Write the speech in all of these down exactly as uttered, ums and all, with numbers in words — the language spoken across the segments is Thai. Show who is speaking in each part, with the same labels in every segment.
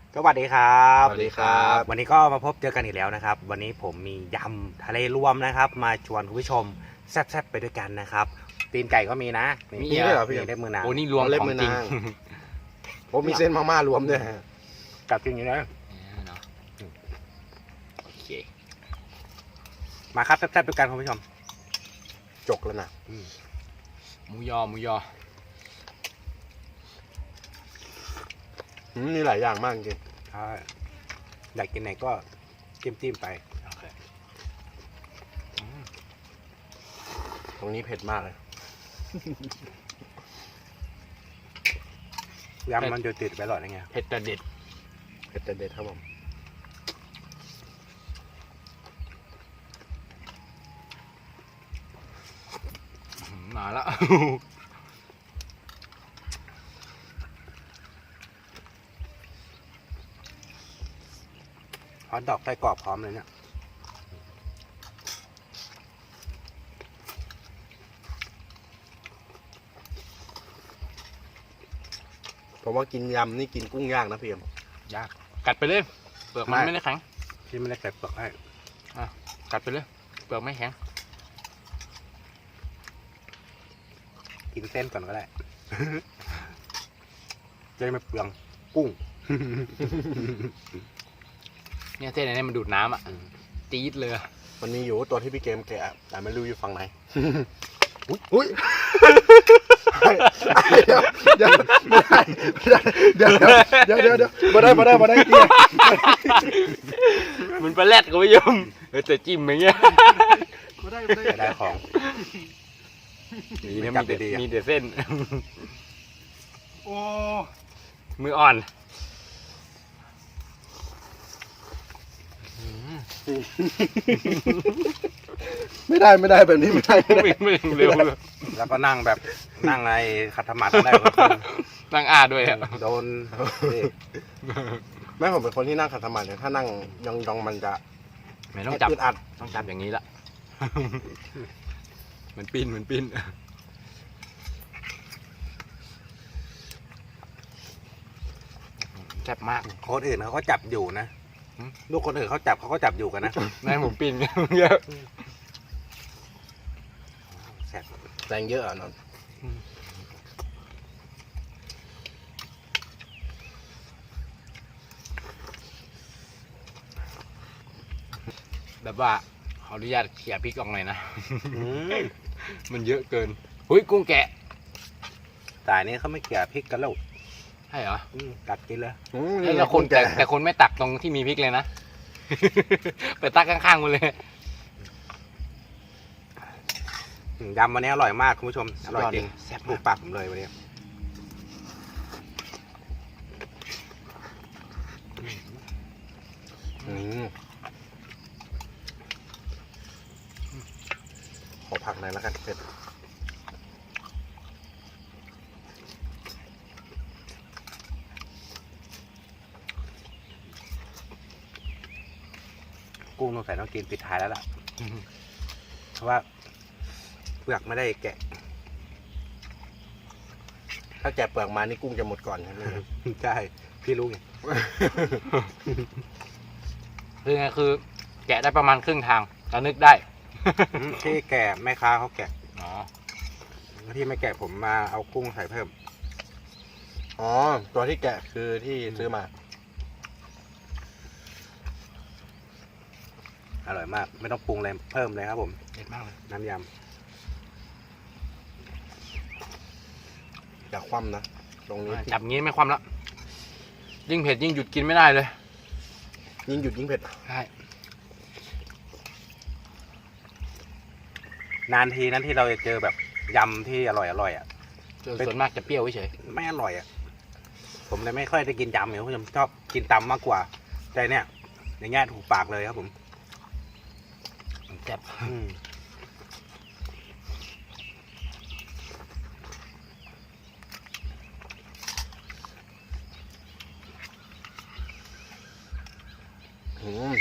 Speaker 1: สวัสดีครับ
Speaker 2: สวัสดีครับ
Speaker 1: วันนี้ก็มาพบเจอกันอีกแล้วนะครับวันนี้ผมมียำทะเลรวมนะครับ มาชวนคุณผู้ชมแซ่บๆไปด้วยกันนะครับตีนไก่ก็มีนะ
Speaker 2: มีด้วยเหรอพี่
Speaker 1: เล็บมือนาง
Speaker 3: โอ้นี่รวม
Speaker 2: เล็บ
Speaker 3: ของ
Speaker 2: มือ
Speaker 3: จริง
Speaker 2: นาง ผมมีเส้นมาม่ารวมด้วย
Speaker 1: กัดจริงอยู่นะ
Speaker 3: เนาะโอเค
Speaker 1: มาครับแซ่บๆด้วยกันคุณผู้ชม
Speaker 2: จกแล้วนะ
Speaker 3: หมูยอหมูยอ
Speaker 2: อืมมีหลายอย่างมากจริง
Speaker 1: ใช่อยากกินไหนก็จิ้มๆไป
Speaker 3: โอเค
Speaker 2: ตรงนี้เผ็ดมากเลย
Speaker 1: ยำมันจะติดไปหลอดยังไง
Speaker 3: เผ็ดแต่เด็ด
Speaker 2: เผ็ดแต่เด็ดครับผม
Speaker 3: อื้อหือมาแล้ว
Speaker 1: ฮอตดอกไส้กรอบพร้อมเลยเนี่ย
Speaker 2: ผมว่ากินยำนี่กินกุ้งย่างนะพี่เอ็ม
Speaker 3: ยากกัดไปเลยเปลือกมันไม่ได้แข็ง
Speaker 1: ที่ไม่ได้ใส่เปลือกให้
Speaker 3: กัดไปเลยเปลือกไม่แข็ง
Speaker 1: กินเส้นก่อนก็ได้ จะได้ไม่เปลืองกุ้ง
Speaker 3: เนี่ยเส้นอันนี้มันดูดน้ำอ่ะจี๊ดเลย
Speaker 2: มันมีอยู่ตัวที่พี่เกมแกะแต่ไม่รู้อยู่ฝั่งไหน อุ้ยเดี๋ยวเดี๋ยวไม่ได้เดี๋ยวเดี๋ยวเดี๋ยวเดี๋ยวมาได้มาได้มาได้เกียร์
Speaker 3: มันปลาแรดก็ไม่ยอมเออแต่จิ้มอย่างเงี้ย
Speaker 2: มาได้มาได้
Speaker 1: จะได้ของ
Speaker 3: นี่นะ
Speaker 1: จั
Speaker 3: มี
Speaker 1: บ
Speaker 3: แต่
Speaker 1: ดีๆอะ
Speaker 3: มีแต่เส้น
Speaker 2: โอ้
Speaker 3: มืออ่อน
Speaker 2: ไม่ได้ไม่ได้แบบนี้ไม่ได้ไม่ได้
Speaker 3: วิ่งไม่เร็วเลย
Speaker 1: แล้วก็นั่งแบบนั่งไอ้คัตมาดได้ก็คือ
Speaker 3: นั่งอ้าด้วยอ่ะ
Speaker 1: โดนนี่
Speaker 2: แม่ผมเป็นคนที่นั่งขัดสมาธิเนี่ยถ้านั่งยองยองๆมันจะ
Speaker 3: ไม่ต้องจับ
Speaker 2: อึดอัด
Speaker 3: ต้องจับอย่างนี้ละ มันปิ้นมันปิ้นแซ่บมาก
Speaker 1: คนอื่นเขาก็จับอยู่นะ
Speaker 3: หืม
Speaker 1: ลูกคนอื่นเขาจับเขาก็จับอยู่กันนะ
Speaker 3: นายผมปิ้นเยอะ
Speaker 1: แซ่บ
Speaker 2: แรงเยอะอ่ะนนท์
Speaker 3: แบบว่าขออนุญาตเขี่ยพริกออกหน่อยนะ
Speaker 1: อืม
Speaker 3: มันเยอะเกินหุ้ยกุ้งแกะ
Speaker 1: สายนี้เขาไม่เกี่ยพริกกันแล้ว
Speaker 3: ใช่เหรอ
Speaker 1: อืมกัดกินเลย
Speaker 2: อืม
Speaker 3: แล้วคนแต่แต่คนไม่ตักตรงที่มีพริกเลยนะ ไปตักข้างๆมันเลย
Speaker 1: อืมยำวันนี้อร่อยมากคุณผู้ชมอร่อยจริง
Speaker 3: แซ่บ
Speaker 1: ถู
Speaker 3: มาก
Speaker 1: กปากผมเลยวันนี้
Speaker 2: อืมขอผักหน่อยแล้วกันเผ็ด
Speaker 1: กุ้งต้องใส่ต้องกินปิดท้ายแล้วล่ะเพราะว่าเปลือกไม่ได้แกะ
Speaker 2: ถ้าแกะเปลือกมานี่กุ้งจะหมดก่อนใช่ไหม
Speaker 1: ใช่พี่รู้ไง
Speaker 3: คือไงคือ แกะได้ประมาณครึ่งทางแล้วนึกได้
Speaker 1: อืมที่แกะแม่ค้าเขาแกะ
Speaker 3: อ๋อ
Speaker 1: ที่ไม่แกะผมมาเอากุ้งใส่เพิ่ม
Speaker 2: อ๋อตัวที่แกะคือที่ซื้อมา
Speaker 1: อร่อยมาก ไม่ต้องปรุงอะไรเพิ่มเลยครับผม
Speaker 3: เด็ดมากเลย
Speaker 1: น้ำย
Speaker 2: อย่าคว่ำนะตรงนี้
Speaker 3: จับงี้ไม่ความละยิ่งเผ็ดยิ่งหยุดกินไม่ได้เลย
Speaker 2: ยิ่งหยุดยิ่งเผ็ด
Speaker 3: ใช่
Speaker 1: ำนานทีนั้นที่เราจะเจอแบบยำที่อร่อยอร่อยอ่ะ
Speaker 3: ส่วนมากจะเปรี้ยวเฉย
Speaker 1: ไม่อร่อยอ่ะผมเลยไม่ค่อยได้กินยำเนี่ยผมชอบกินตำมากกว่าแต่เนี่ยอย่างเงี้ยถูกปากเลยครับผม
Speaker 3: แซ่บ
Speaker 1: อืม
Speaker 2: อืม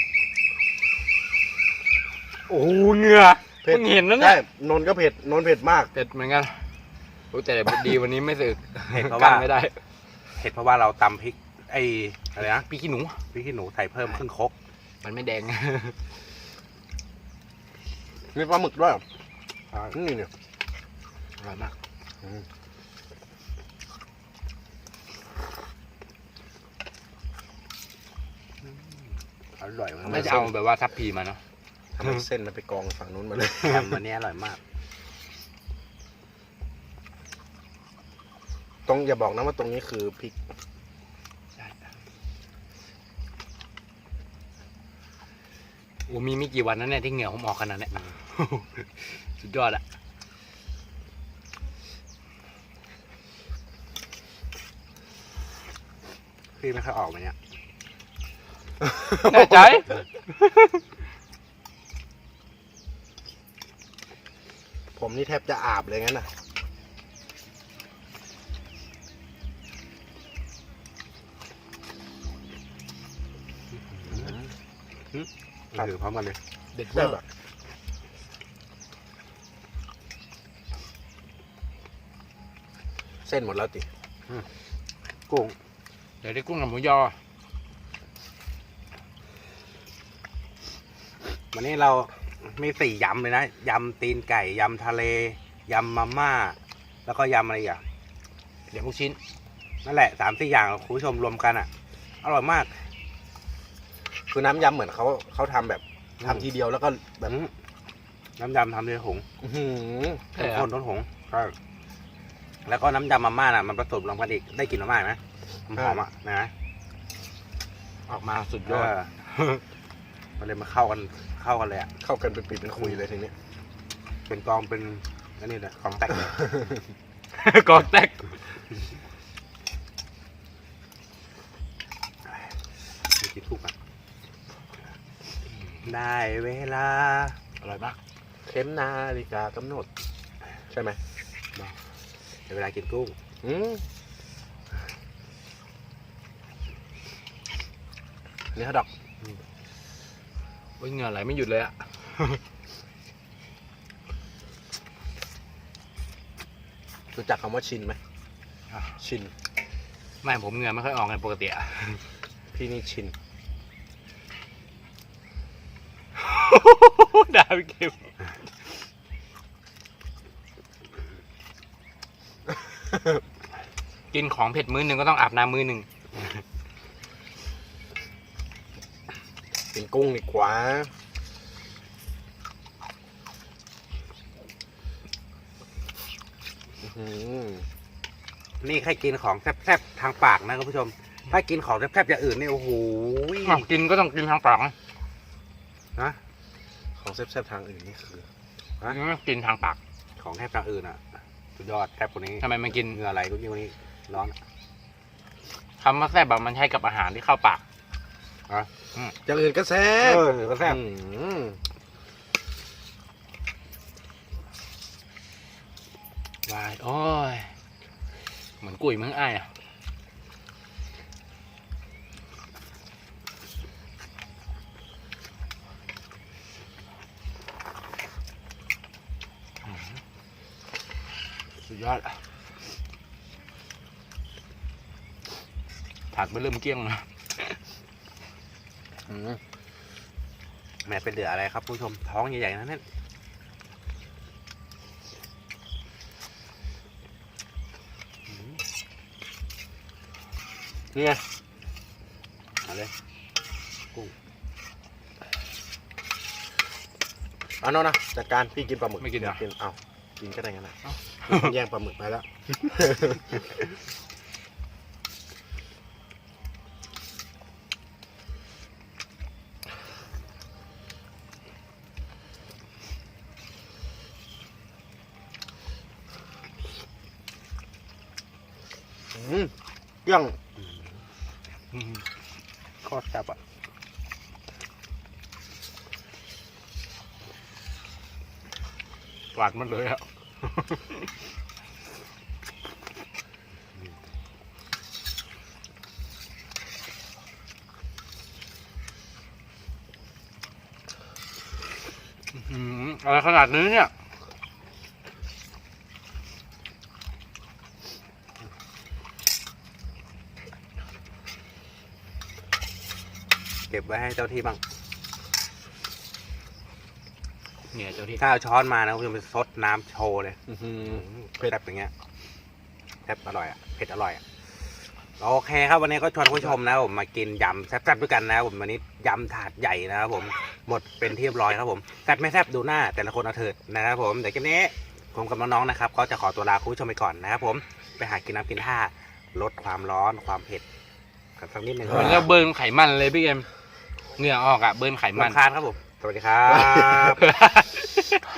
Speaker 3: โอ้เหงื่อ
Speaker 2: เผ็ด
Speaker 3: เพิ่งเห็นนะเนี่
Speaker 2: ใช่
Speaker 3: ย
Speaker 2: นนท์ก็เผ็ดนนท์เผ็ดมาก
Speaker 3: เผ็ดเหมือนกันโอ้แต่ดีวันนี้ไม่สึก
Speaker 1: เผ็ดเพราะ
Speaker 3: กั้
Speaker 1: ว่าน
Speaker 3: ไม่ได้
Speaker 1: เผ็ดเพราะว่าเราตำพริกไอไอ้อะไรนะ
Speaker 3: พี่ขี้หนู
Speaker 1: พริกขี้หนูใส่เพิ่มครึ่งครก
Speaker 3: มันไม่แดง
Speaker 2: มีปลาหมึกด้วยนี่เนี่ย
Speaker 3: อร่อยมาก
Speaker 1: อร่อยมาก
Speaker 3: ไม่จะเอาแบบว่าทับพีมาเนาะ
Speaker 2: ทำไมเส้นมันไปกองฝั่งนู้นมาเลย
Speaker 1: แฮมวันนี้อร่อยมาก
Speaker 2: ตรงอย่าบอกนะว่าตรงนี้คือพริก
Speaker 3: โอ้มีไม่กี่วันนั้นเนี่ยที่เหงื่อผมออกขนาดเนี้ย สุดยอดอะ
Speaker 1: พี่ไม่ค่อยออกไหมเนี่ย
Speaker 3: แน่ใจ
Speaker 2: ผมนี่แทบจะอาบเลยงั้นน่ะ
Speaker 1: ถือพร้อมกันเลย
Speaker 3: เด็ด
Speaker 2: ได้
Speaker 3: มาก
Speaker 2: แบบเส้นหมดแล้วติ
Speaker 1: กุ้ง
Speaker 3: เดี๋ยวได้กุ้งกับหมูยอ
Speaker 1: วันนี้เรามีสี่ยำเลยนะยำตีนไก่ยำทะเลยำมาม่าแล้วก็ยำอะไรอีกอ่ะ
Speaker 3: เดี๋ยวลูกชิ้น
Speaker 1: นั่นแหละสามสี่อย่างคุณผู้ชมรวมกันอ่ะอร่อยมาก
Speaker 2: คือน้ำยำเหมือนเขาเขาทำแบบทำทีเดียวแล้วก็แบบ
Speaker 1: อืมน้ำยำทำด้วยหง
Speaker 2: อื้อหือ
Speaker 3: ใช่
Speaker 1: ต้น
Speaker 3: เหรอ
Speaker 1: ต้นหงใช่แล้วก็น้ำยำมาม่าน่ะมันผสมรวมกันอีกได้กลิ่นมาม่าไหมหอมๆอ่ะนะ
Speaker 3: ออกมาสุด
Speaker 1: เอย
Speaker 3: อด
Speaker 1: อ มันเลยมาเข้ากันเข้ากันเลยอ่ะ
Speaker 2: เข้ากันเป็นปีเป็นคุยเลยทีนี้
Speaker 1: เป็นกองเป็นอันนี้เลยของแตกเลย
Speaker 3: กอกแตก
Speaker 1: มีกี่ทุกอ่ะได้เวลา
Speaker 3: อร่อยมาก
Speaker 2: เข็มนาฬิกากำหนด ใช่ไหม
Speaker 1: ในเวลากินกุ้ง
Speaker 2: อืมนี่ฮะดอก
Speaker 3: โอ้ยเหงื่อไหลไม่หยุดเลยอะ
Speaker 2: รู้จักคำว่าชินไหมชิน
Speaker 3: ไม่ผมเหงื่อไม่ค่อยออกกันปกติอะ
Speaker 2: พี่นี่ชิน
Speaker 3: ด่าพี่เกม กินของเผ็ดมื้อหนึ่งก็ต้องอาบน้ำมื้อหนึ่ง
Speaker 2: กินกุ้งดีกว่าอื้อหือ
Speaker 1: นี่แค่กินของแซ่บๆทางปากนะคุณผู้ชม ถ้ากินของแซ่บๆอย่างอื่นนี่โอ้โห
Speaker 3: อ้าวกินก็ต้องกินทางปากนะ
Speaker 1: นะ
Speaker 2: ของแซ่บๆทางอื่นนี่คือ
Speaker 3: กินทางปาก
Speaker 1: ของแซ่บอย่างอื่นอ่ะสุดยอดแซ่บกว่านี้
Speaker 3: ทำไมมันกิน
Speaker 1: เหงื่อไหลก็ยิ่งกว่านี้ร้อน
Speaker 3: คำว่าแซ่บแบบมันใช้กับอาหารที่เข้าปาก
Speaker 2: อย่างอื่นก็แซ่
Speaker 1: เอบ อก็แซ่บ
Speaker 2: อื้อหือ
Speaker 3: วายโอ้ยเหมือนกุ้ยมึงอ้ายอ่ะสุดยอดอะถาดไม่เริ่มเกลี้ยงนะ
Speaker 2: อื้อ
Speaker 1: แหม่เป็นเหลืออะไรครับผู้ชมท้องใหญ่ๆนั่นนั่น
Speaker 2: นี่ไง
Speaker 1: เอาเลย
Speaker 2: เอาโน่นนะจัดการพี่กินปลาหมึก
Speaker 3: ไม่กินเหรอ
Speaker 2: กินเอากินก็ได้งั้นนะ
Speaker 3: เอ้า
Speaker 2: แย่งปลาหมึกไปแล้ว อืมเกลี้ยง
Speaker 3: อืม
Speaker 1: โคตรแซ่บอ่ะ
Speaker 3: หวานมันเลยอ่ะ อืมอะไรขนาดนี้เนี่ย
Speaker 1: ก็บไว้ให้เจ้าที่บ้าง
Speaker 3: เหงื่อเจ้าที่
Speaker 1: ถ้าเอาช้อนมานะคุณผู้ชมเป็นซดน้ำโชว์เลย
Speaker 2: อื้อหือ
Speaker 1: เผ็ดแบบอย่างเงี้ยแซ่บอร่อยอ่ะเผ็ดอร่อยอ่ะโอเคครับวันนี้ก็ชวนคุณผู้ชมนะผมมากินยำแซ่บๆด้วยกันนะผมวันนี้ยำถาดใหญ่นะครับผมหมดเป็นที่เรียบร้อยครับผมแซ่บไม่แซ่บดูหน้าแต่ละคนเอาเถิดนะครับผมเดี๋ยวคลิปนี้ผมกับน้องๆนะครับก็จะขอตัวลาคุณผู้ชมไปก่อนนะครับผมไปหากินน้ำกินท่าลดความร้อนความเผ็ดกันสักนิดหนึ่ง
Speaker 3: มันก็เบิร์นไขมันเลยพี่เกมเหงื่อออกอ่ะเบิร์นไขมัน
Speaker 1: รำคาญครับผมสวัสดีครับ